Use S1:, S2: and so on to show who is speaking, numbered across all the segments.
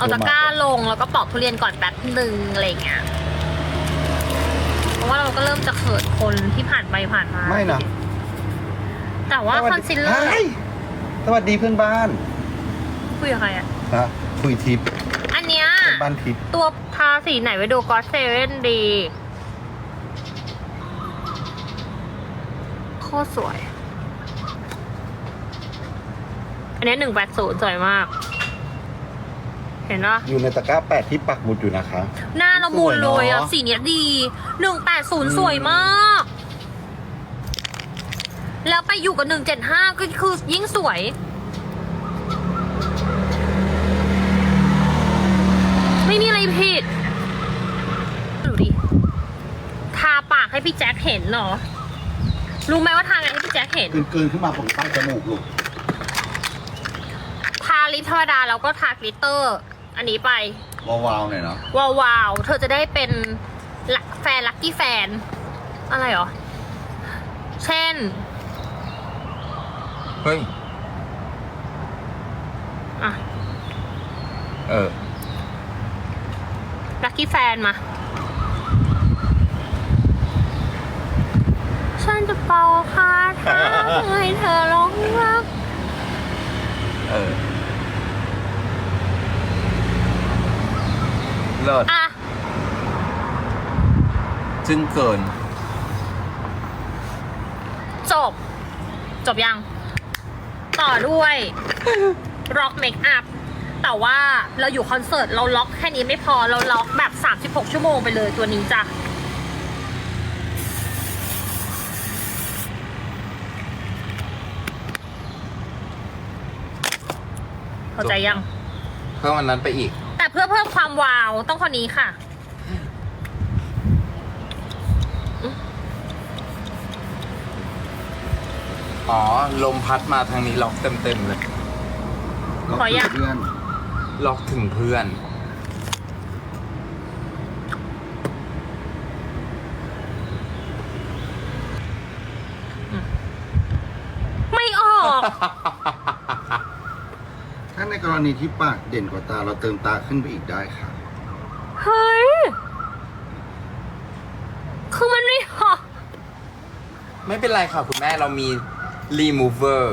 S1: เอาตะกร้าลงแล้วก็ปอกทุเรียนก่อนแป๊บนึงอะไรอย่างเงี้ยเพราะว่าเราก็เริ่มจะเขินคนที่ผ่านไปผ่านมา
S2: ไม่นะ
S1: แต่ว่าคอนซีลเลอร์
S2: สวัสดีเพื่อนบ้าน
S1: คุยกับใครอ่ะ
S2: นะคุยทิป
S1: อันเนี้ย
S2: เพื่อนบ้านทิป
S1: ตัวทาสีไหนไปดูก็เซเว่นดีโคตรสวย อันนี้180สวยมาก เห็นปะ
S2: อยู่ในตะกร้า8ที่ปักหมุดอยู่นะคะ
S1: หน้าละมุนเลยอ่ะ
S2: สวยเนอะ
S1: สีเนี้ยดี180สวยมาก แล้วไปอยู่กับ175ก็คือยิ่งสวย ไม่มีอะไรผิด ดูดิ ทาปากให้พี่แจ็คเห็นเหรอ รู้ไหมว่าทาไงให้พี่แจ็คเห็น
S2: เกินขึ้นมาผมตั้งจมูกลูก
S1: ทาลิปธรรมดาแล้วก็ทากลิตเตอร์ อันนี้ไป
S2: วาวๆหน่อยเนาะ
S1: ว้าวๆเธอจะได้เป็นแฟนลัคกี้แฟน อะไรหรอ เช่น
S3: เฮ้ย
S1: อ่ะ ลัคกี้แฟนมา ฉันจะเป่าคาถาให้เธอร้องรัก
S3: เลิศ
S1: อ่ะ
S3: จึงเกิน
S1: จบ จบยัง ต่อด้วย ร็อกเมคอัพ แต่ว่าเราอยู่คอนเสิร์ตเราล็อกแค่นี้ไม่พอ เราล็อกแบบ 36 ชั่วโมงไปเลยตัวนี้จ้ะ เข้าใจยัง
S3: เพิ่มวันนั้นไปอีก
S1: แต่เพื่อเพิ่มความวาวต้องคนนี้ค่ะ
S3: อ๋อ ลมพัดมาทางนี้ล็อกเต็มเลย
S1: ขอยัง
S2: เพื่อน
S3: ล็อกถึงเพื่อน
S1: ไม่ออก
S2: ถ้าในกรณีที่ปากเด่นกว่าตาเราเติมตาขึ้นไปอีกได้ค่ะ
S1: เฮ้ย คือมันไม่ออก
S3: ไม่เป็นไรค่ะคุณแม่เรามี remover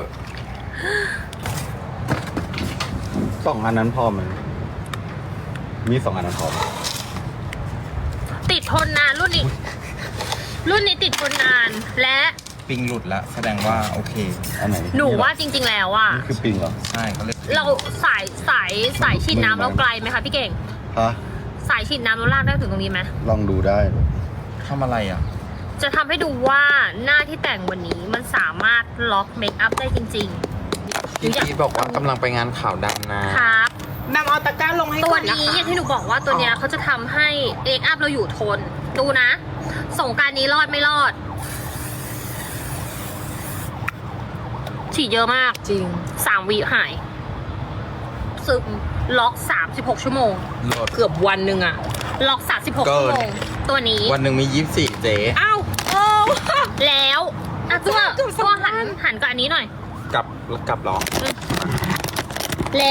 S2: 2 อันนั้นพอไหมมี2 อันนั้นพอไหม
S1: ติดทนนานรุ่นนี้ รุ่นนี้ติดทนนาน และ
S3: ปิงหลุดแล้ว แสดงว่าโอเค
S2: อันไหน
S1: หนูว่าจริง ๆ แล้วอ่ะ
S2: นี่คือปิงเหรอ
S3: ใช่เขาเรียก
S1: เราสายฉีดน้ำเราไกลไหมคะพี่เก่ง
S2: ฮะ
S1: สายฉีดน้ำเราลากได้ถึงตรงนี้ไหม
S2: ลองดูได้
S3: ทำอะไรอ่ะ
S1: จะทำให้ดูว่าหน้าที่แต่งวันนี้มันสามารถล็อกเมคอัพได้จริง
S3: พี่พีทบอกว่ากำลังไปงานข่าวดังนะ
S1: ๆ ครับ
S4: นำเอาตะกร้าลงให้
S1: ตัว
S4: ก่อนนะ
S1: นี้
S4: คะ
S1: อย่างที่หนูบอกว่าตัวเนี้ยเขาจะทำให้เมคอัพเราอยู่ทน ดูนะ สงกรารนี้รอดไม่รอด ฉีดเยอะมาก
S4: จริง
S1: 3 วิหาย ซึมล็อก 36 ชั่วโมง
S3: โหลด
S4: เกือบวันหนึ่งอะ
S1: ล็อก 36
S3: เกิ
S1: ชั่วน โมง ตัวนี้
S3: วันหนึ่งมี24เจ๊
S4: อ้าวโอ้
S1: แล้วอ่ะตัวหันกับอันนี้หน่อย
S3: กลับหรอ
S1: และ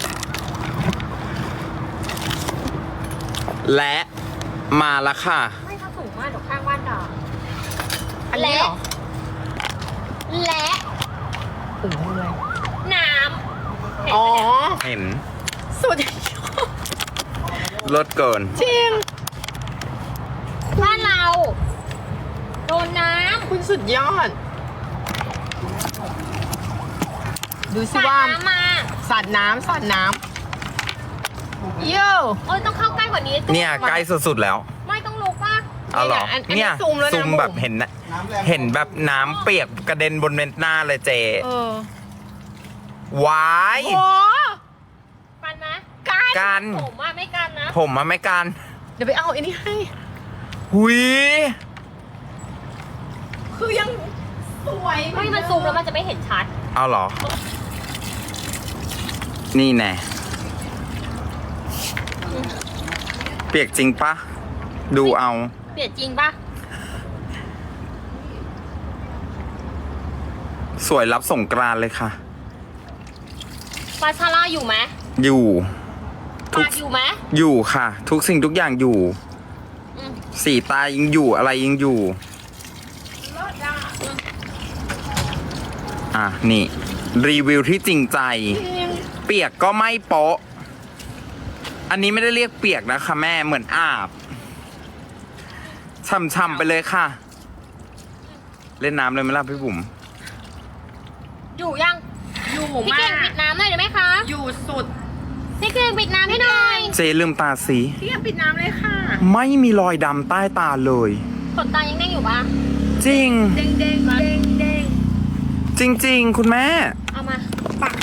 S3: และมาแล้วค่ะ
S1: ไม่ถ้าสูงมากเดี๋ยวข้างบ้านด่า
S4: อันนี้เหรอ
S1: และ
S4: โอ้โหอะไร
S1: น้ำ
S4: อ๋อ
S3: เห็น
S4: สุด
S3: ลดเกิน
S4: จริง
S1: บ้านเรา โดนน้
S4: คุณสุดยอด ดู
S1: ำ
S4: สิว่า
S1: น้ำมา
S4: สาดน้ำสาดน้ำโย่
S1: โอ้ยต้องเข้าใกล้กว่านี้
S3: เนี่ยใกล้สุดๆแล้ว
S1: ไม่ต้องลุกป่ะ
S3: เอาเหรอ
S4: อันนี้
S3: เนี่ย
S4: ซูมแล้วนะ
S3: ซูมแบบ
S4: บุ๋ม
S3: เห็นนะเห็นแบบน้ำเปียกกระเด็นบนหน้าเลยเจ
S4: เออ
S3: วาย
S4: โอ้
S1: กันไหม
S3: กัน
S1: ผมว่าไม่กันนะ
S3: ผมมาไม่กัน
S4: เดี๋ยวไปเอาไอ้นี่ให้
S3: หุย
S4: คือยังสวย
S1: ไม่มันซูมแล้วมันจะไม่เห็นชัด
S3: เอาเหรอ นี่แน่เปียกจริงปะดูเอา
S1: เปลี่ยนจริงป่ะ
S3: สวยรับสงกรานต์เลยค่ะ
S1: ปาชาร่าอยู่ไหม
S3: อยู่ทุก
S1: ปากอยู่ไหม
S3: อยู่ค่ะ ทุกสิ่งทุกอย่างอยู่
S1: อืม
S3: สีตายังอยู่อะไรยังอยู่ อ่ะ นี่ รีวิวที่จริงใจ เปียกก็ไม่โป๊ะ อันนี้ไม่ได้เรียกเปียกนะคะแม่เหมือนอาบช่ำๆไปเลยค่ะ เล่นน้ำเลยไหมล่ะพี่บุ๋ม
S1: อยู่ยัง
S4: อยู่
S1: พี่
S4: มา
S1: เก่ง
S4: ก
S1: ปิดน้ำหน่อยได้ไหมคะ
S4: อยู่สุด
S1: พี่เก่งปิดน้ำให้หน่อย
S3: เจลืมตาสี
S4: พี่ยังปิดน้ำเลยค่ะ
S3: ไม่มีรอยดำใต้ตาเลย
S1: ขนตายังเด้งอยู่ปะ
S3: จริง
S4: เด้งเด้งเด้งเด้ง
S3: จริง ๆ คุณแม่
S1: เอามา